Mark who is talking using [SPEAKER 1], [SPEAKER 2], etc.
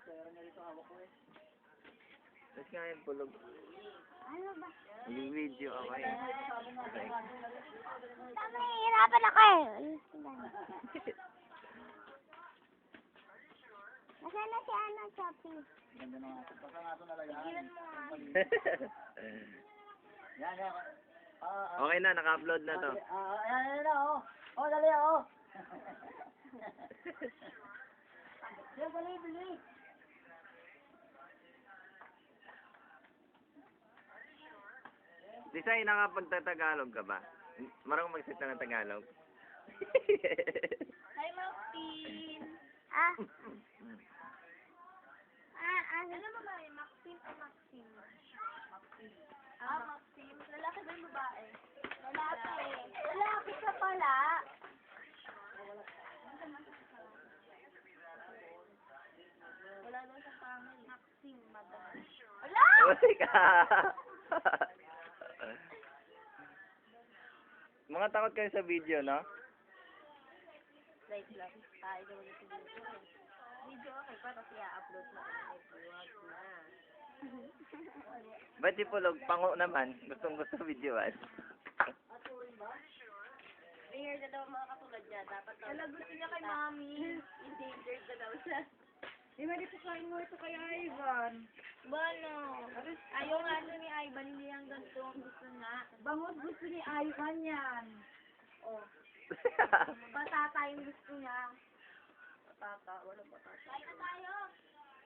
[SPEAKER 1] Tapos nga yung pulog.
[SPEAKER 2] Ano ba?
[SPEAKER 1] Mag-video ako eh.
[SPEAKER 2] Tama, hihirapan ako eh. Nasaan na si ano, Choppy?
[SPEAKER 3] Ganda na nga. Basta nga ito nalagay.
[SPEAKER 2] Ilan mo nga.
[SPEAKER 3] Yan, yan.
[SPEAKER 1] Okay na, naka-upload na to.
[SPEAKER 3] Ayan na, oh. Oh, dali, oh. Yan, dali, dali.
[SPEAKER 1] Desai, nakapagtatagalog ka ba? Marunong magsalita ng Tagalog?
[SPEAKER 2] Hi, Maxine. Ano mo ba yung Maxine o Maxine? Maxine. Maxine. Lalaki ba yung babae? Lalaki. Lalaki ka pala. Wala daw sa family. Maxine, madam. Wala!
[SPEAKER 1] Uy ka! Mga takot kayo sa video, no?
[SPEAKER 2] Like lang. Tayo daw ulit sa video. Video okay pa kasi i-upload na. Vlog na.
[SPEAKER 1] Ba't si Pulog, pango naman? Gustong-gusto videoan.
[SPEAKER 2] Ringer na daw mga katulad niya. Dapat daw. Alam, gusto niya kay Mami. Endangered na daw siya.
[SPEAKER 4] Eh, mali po kain mo ito kay Ivan.
[SPEAKER 2] Bono. Ayaw nga ito ni Ivan. Hindi ang ganito ang gusto nga.
[SPEAKER 4] Bangus gusto ni Ivan yan.
[SPEAKER 2] Oh. Patata yung gusto niya. Patata. Wala patata. Kain na tayo.